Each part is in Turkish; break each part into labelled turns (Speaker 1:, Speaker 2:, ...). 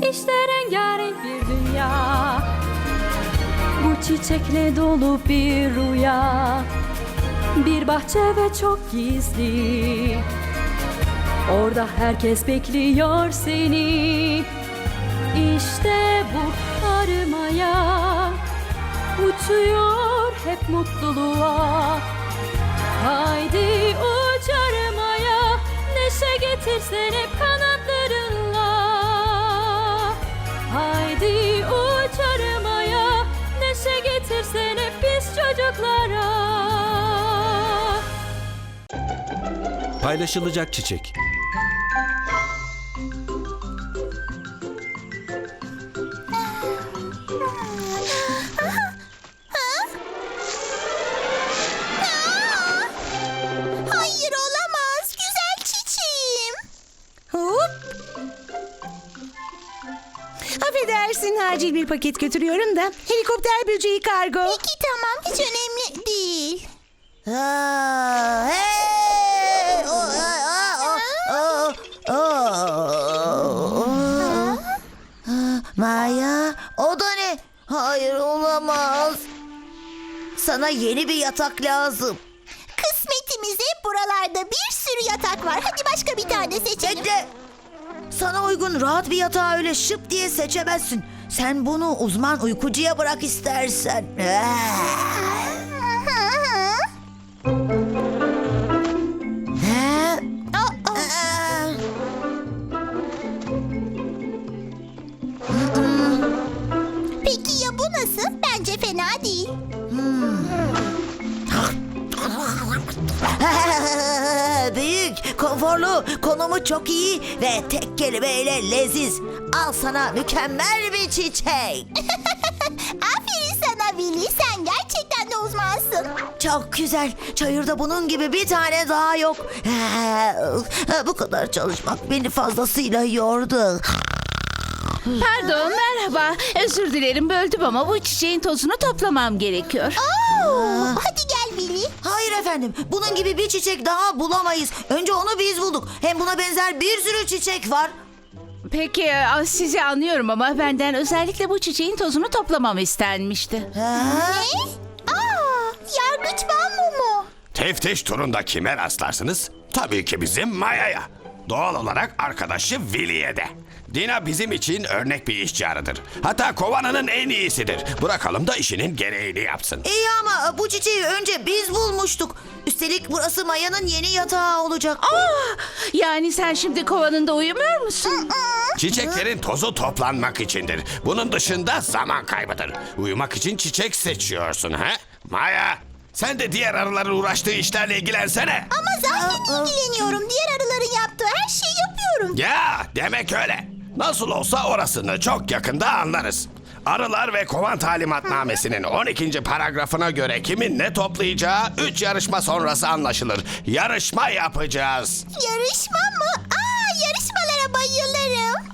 Speaker 1: İşte rengarenk bir dünya, bu çiçekle dolu bir rüya. Bir bahçe ve çok gizli, orada herkes bekliyor seni. İşte bu arımaya, uçuyor hep mutluluğa. Haydi uç arımaya, neşe getirsen hep kanatlarınla. Haydi uç arımaya, neşe getirsen hep biz çocuklara.
Speaker 2: Paylaşılacak çiçek.
Speaker 3: Hayır, olamaz. Güzel çiçeğim. Hop.
Speaker 4: Affedersin, acil bir paket götürüyorum da. Helikopter böceği kargo.
Speaker 3: Peki tamam, hiç önemli değil.
Speaker 5: Maya, o da ne? Hayır, olamaz. Sana yeni bir yatak lazım.
Speaker 3: Kısmetimize buralarda bir sürü yatak var. Hadi başka bir tane seçelim.
Speaker 5: Bekle. Sana uygun rahat bir yatağı öyle şıp diye seçemezsin. Sen bunu uzman uykucuya bırak istersen.
Speaker 3: Peki ya bu nasıl? Bence fena değil.
Speaker 5: Büyük, konforlu, konumu çok iyi ve tek kelimeyle leziz. Al sana mükemmel bir çiçek.
Speaker 3: Aferin sana Willy. Sen gerçekten de uzmansın.
Speaker 5: Çok güzel. Çayırda bunun gibi bir tane daha yok. Bu kadar çalışmak beni fazlasıyla yordu.
Speaker 6: Pardon, merhaba. Özür dilerim, böldüm ama bu çiçeğin tozunu toplamam gerekiyor.
Speaker 3: Hadi gel Willy.
Speaker 5: Hayır efendim. Bunun gibi bir çiçek daha bulamayız. Önce onu biz bulduk. Hem buna benzer bir sürü çiçek var.
Speaker 6: Peki, sizi anlıyorum ama benden özellikle bu çiçeğin tozunu toplamam istenmişti.
Speaker 3: Ne? Yargıç bambu mu?
Speaker 7: Teftiş turunda kime rastlarsınız? Tabii ki bizim Maya'ya. Doğal olarak arkadaşı Willy'ye de. Dina bizim için örnek bir işçi arıdır. Hatta kovananın en iyisidir. Bırakalım da işinin gereğini yapsın.
Speaker 5: İyi ama bu çiçeği önce biz bulmuştuk. Üstelik burası Maya'nın yeni yatağı olacak.
Speaker 6: Yani sen şimdi kovanında uyumuyor musun?
Speaker 7: Çiçeklerin tozu toplanmak içindir. Bunun dışında zaman kaybıdır. Uyumak için çiçek seçiyorsun ha? Maya, sen de diğer arıların uğraştığı işlerle ilgilensene.
Speaker 3: Ama zaten ilgileniyorum. Diğer arıların yaptığı her şeyi yapıyorum.
Speaker 7: Ya demek öyle. Nasıl olsa orasını çok yakında anlarız. Arılar ve Kovan Talimatnamesi'nin 12. paragrafına göre kimin ne toplayacağı 3 yarışma sonrası anlaşılır. Yarışma yapacağız.
Speaker 3: Yarışma mı? Yarışmalara bayılırım.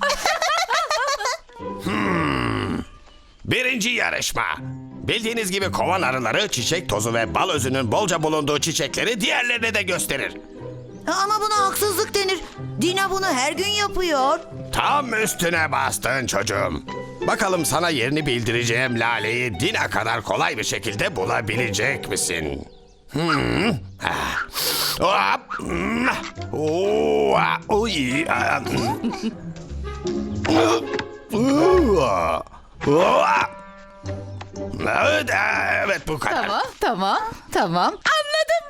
Speaker 7: Birinci yarışma. Bildiğiniz gibi kovan arıları çiçek tozu ve bal özünün bolca bulunduğu çiçekleri diğerlerine de gösterir.
Speaker 5: Ama buna haksızlık denir. Dina bunu her gün yapıyor.
Speaker 7: Tam üstüne bastın çocuğum. Bakalım sana yerini bildireceğim laleyi Dina kadar kolay bir şekilde bulabilecek misin? Hop. Uy. Evet bu kadar.
Speaker 6: Tamam. Anladım.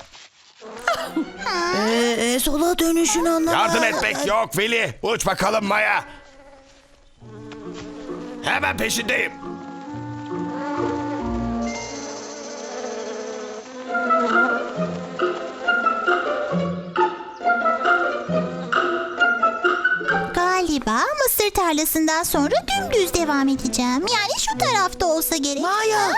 Speaker 5: Sola dönüşün anlamadım.
Speaker 7: Yardım etmek yok Willy. Uç bakalım Maya. Hemen peşindeyim.
Speaker 3: Galiba mısır tarlasından sonra dümdüz devam edeceğim. Yani şu tarafta olsa gerek.
Speaker 5: Maya.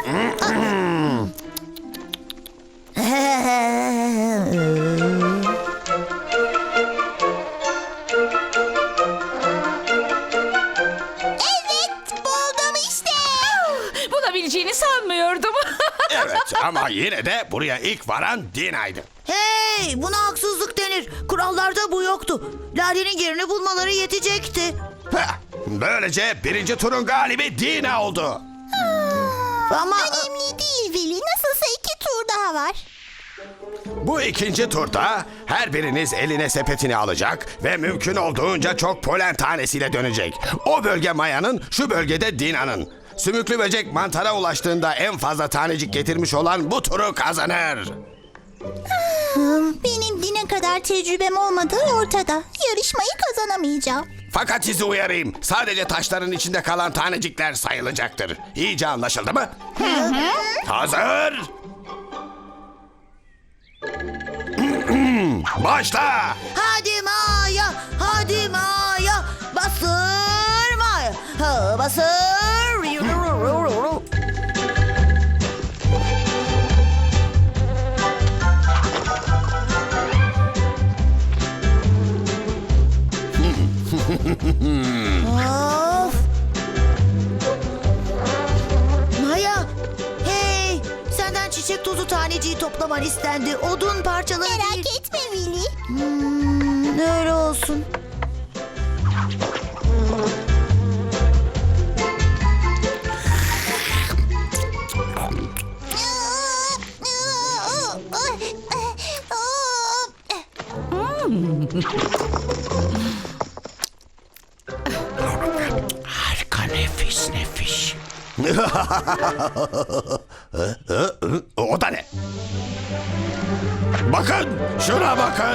Speaker 3: Evet, buldum işte.
Speaker 6: Bulabileceğini sanmıyordum.
Speaker 7: Evet ama yine de buraya ilk varan Dina'ydı.
Speaker 5: Hey, buna haksızlık denir. Kurallarda bu yoktu. Lale'nin yerini bulmaları yetecekti.
Speaker 7: Heh, böylece birinci turun galibi Dina oldu.
Speaker 5: Ama
Speaker 3: Önemli değil Willy. Nasılsa 2 tur daha var.
Speaker 7: Bu ikinci turda her biriniz eline sepetini alacak ve mümkün olduğunca çok polen tanesiyle dönecek. O bölge Maya'nın, şu bölgede Dina'nın. Sümüklü böcek mantara ulaştığında en fazla tanecik getirmiş olan bu turu kazanır.
Speaker 3: Benim Dina kadar tecrübem olmadığı ortada. Yarışmayı kazanamayacağım.
Speaker 7: Fakat sizi uyarayım. Sadece taşların içinde kalan tanecikler sayılacaktır. İyice anlaşıldı mı? Hazır. Başla.
Speaker 5: hadi Maya, hadi Maya. Basır Maya. Ha, basır. Of. Maya, hey, senden çiçek tozu taneciği toplaman istendi. Odun parçaları değil.
Speaker 3: Merak etme Willy.
Speaker 5: Öyle olsun.
Speaker 7: Harika, nefis nefis. O da ne? Bakın, şuna bakın.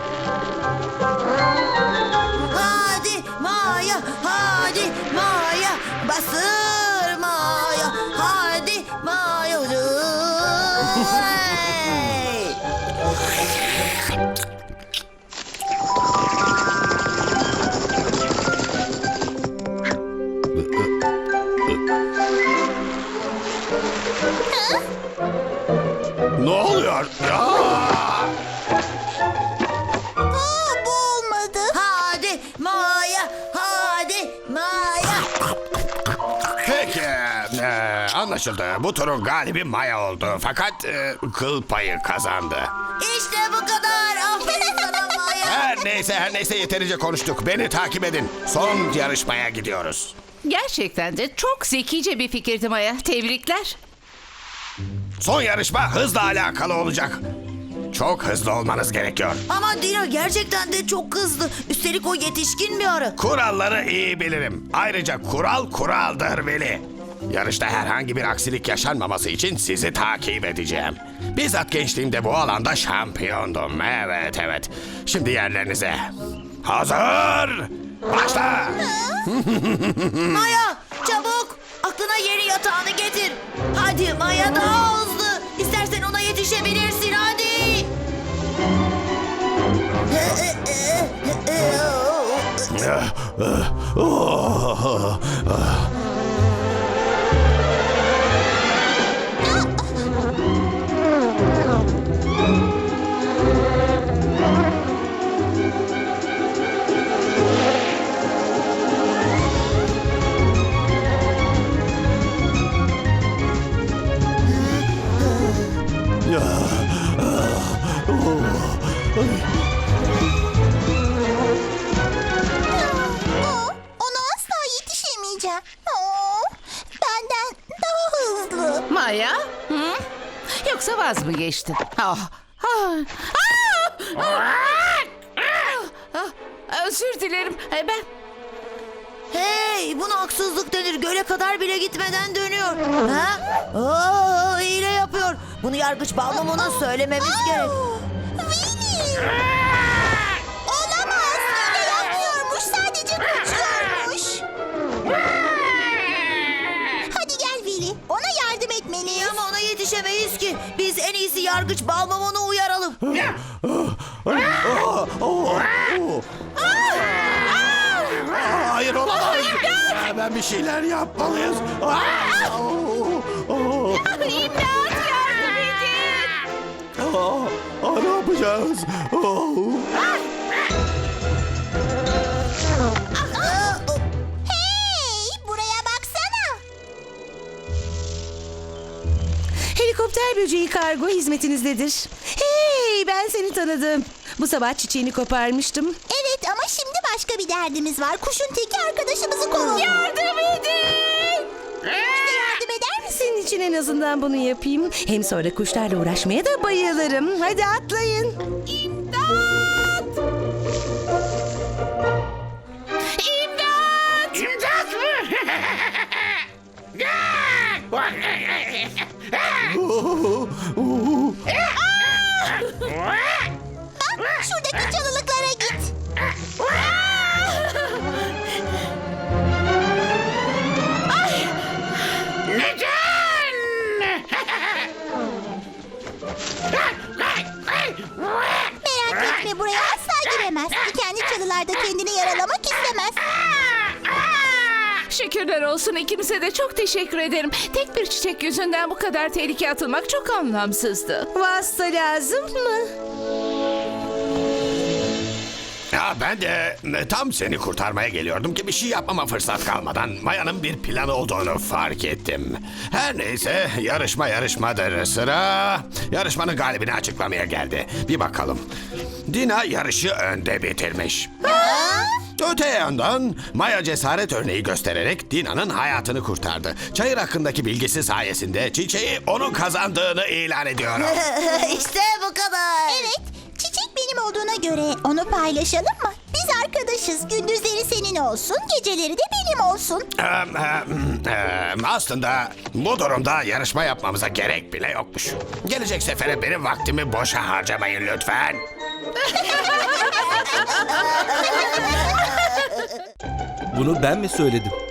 Speaker 5: Hadi Maya, hadi Maya, basır Maya, hadi Maya. Hey!
Speaker 7: Ne oluyor? Aa!
Speaker 3: Bu olmadı.
Speaker 5: Hadi Maya, hadi Maya.
Speaker 7: Peki, anlaşıldı. Bu turun galibi Maya oldu. Fakat kıl payı kazandı.
Speaker 5: İşte bu kadar. Aferin sana Maya.
Speaker 7: Her neyse yeterince konuştuk. Beni takip edin. Son yarışmaya gidiyoruz.
Speaker 6: Gerçekten de çok zekice bir fikirdi Maya. Tebrikler.
Speaker 7: Son yarışma hızla alakalı olacak. Çok hızlı olmanız gerekiyor.
Speaker 5: Ama Dina gerçekten de çok hızlı. Üstelik o yetişkin bir arı.
Speaker 7: Kuralları iyi bilirim. Ayrıca kural kuraldır Veli. Yarışta herhangi bir aksilik yaşanmaması için sizi takip edeceğim. Bizzat gençliğimde bu alanda şampiyondum. Evet. Şimdi yerlerinize. Hazır. Başla.
Speaker 5: Maya çabuk. Aklına yeni yatağını getir. Hadi Maya daha hızlı. İstersen ona yetişebilirsin hadi.
Speaker 3: Ona asla yetişemeyeceğim. Benden daha hızlı.
Speaker 6: Maya? Hı? Yoksa vaz mı geçtin? Özür dilerim. Ben...
Speaker 5: Hey, buna haksızlık denir. Göle kadar bile gitmeden dönüyor. Ha? Hile yapıyor. Bunu yargıç Balmumun'a söylememiz gerek.
Speaker 3: Willy! Olamaz. Öyle yapmıyormuş. Sadece kaçıyormuş. Hadi gel Willy. Ona yardım etmeliyiz.
Speaker 5: Ama ona yetişemeyiz ki. Biz en iyisi yargıç Balmumun'u uyaralım.
Speaker 7: Hayır olamaz. Hemen bir şeyler yapmalıyız.
Speaker 6: İmdat, yardım edin.
Speaker 7: Ne yapacağız?
Speaker 3: Hey, buraya baksana.
Speaker 4: Helikopter böceği kargo hizmetinizdedir. Hey, ben seni tanıdım. Bu sabah çiçeğini koparmıştım.
Speaker 3: Evet ama şimdi başka bir derdimiz var. Kuşun teki arkadaşımızı kovalıyor.
Speaker 6: Yardım edin!
Speaker 3: Yardım eder misin?
Speaker 4: Senin için en azından bunu yapayım. Hem sonra kuşlarla uğraşmaya da bayılırım. Hadi atlayın.
Speaker 6: İmdat!
Speaker 2: İmdat mı?
Speaker 3: Bak şuradaki çalılıklara git. Merak etme, buraya asla giremez. Dikenli çalılarda kendini yaralamak istemez.
Speaker 6: Şükürler olsun, ikinize de çok teşekkür ederim. Tek bir çiçek yüzünden bu kadar tehlikeye atılmak çok anlamsızdı.
Speaker 4: Vasıta lazım mı?
Speaker 7: Ya ben de tam seni kurtarmaya geliyordum ki bir şey yapmama fırsat kalmadan Maya'nın bir planı olduğunu fark ettim. Her neyse yarışmadır. Sıra yarışmanın galibini açıklamaya geldi. Bir bakalım. Dina yarışı önde bitirmiş. Öte yandan Maya cesaret örneği göstererek Dina'nın hayatını kurtardı. Çayır hakkındaki bilgisi sayesinde çiçeği onun kazandığını ilan ediyorum.
Speaker 5: işte bu kadar.
Speaker 3: Evet, çiçek benim olduğuna göre onu paylaşalım mı? Biz arkadaşız. Gündüzleri senin olsun, geceleri de benim olsun.
Speaker 7: Aslında bu durumda yarışma yapmamıza gerek bile yokmuş. Gelecek sefere benim vaktimi boşa harcamayın lütfen.
Speaker 8: Bunu ben mi söyledim?